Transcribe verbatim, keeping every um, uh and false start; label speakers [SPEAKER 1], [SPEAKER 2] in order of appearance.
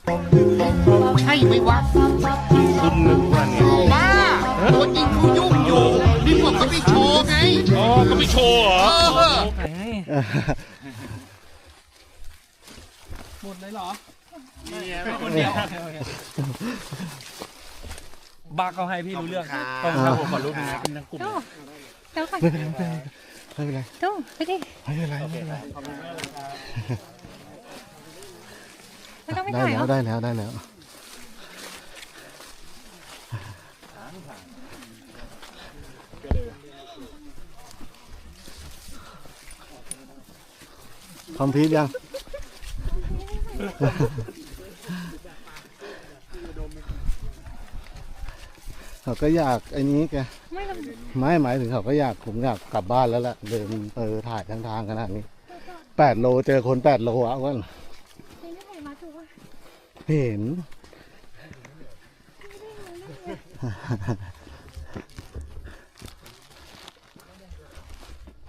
[SPEAKER 1] ใช่ไหมวะ
[SPEAKER 2] คุณนึกว่าเนี่ย
[SPEAKER 1] บ้าตัวจริงเขายุ่งอยู่นี่ผมก็ไปโชว์ไง
[SPEAKER 2] อ๋อก็ไม่โชว์เหรอ
[SPEAKER 1] เออ
[SPEAKER 3] หมดเลยเหรอ
[SPEAKER 2] คนเดียว
[SPEAKER 3] บ้าเขาให้พี่รู้เรื่อง
[SPEAKER 2] ขอบคุณครับผมขอรู้นะเป็นทั้งกลุ่ม
[SPEAKER 4] เดี๋ยวก่อน
[SPEAKER 5] ไม่เป็นไรไม่เป็นไร
[SPEAKER 4] ดูไปดิ
[SPEAKER 5] ไม่เป็นไรไม่เป็นไร
[SPEAKER 4] ไม่ต้องไป
[SPEAKER 5] ได้
[SPEAKER 4] ถ่าย
[SPEAKER 5] แล้
[SPEAKER 4] เหร
[SPEAKER 5] ว
[SPEAKER 4] อ
[SPEAKER 5] ได้แล้วได้แล้วคอมพิวยังเขาก็อยากไอ้นี้แก
[SPEAKER 4] ไม่ลง
[SPEAKER 5] ไม่หมายถึงเขาก็อยากผมอยากกลับบ้านแล้วแหละเดินเออถ่ายทางทางขนาดนี้แปดโลเจอคนแปดโลอ่ะวัน
[SPEAKER 4] ไม่ได้ถ่ายมาถูกว่า
[SPEAKER 5] เห็น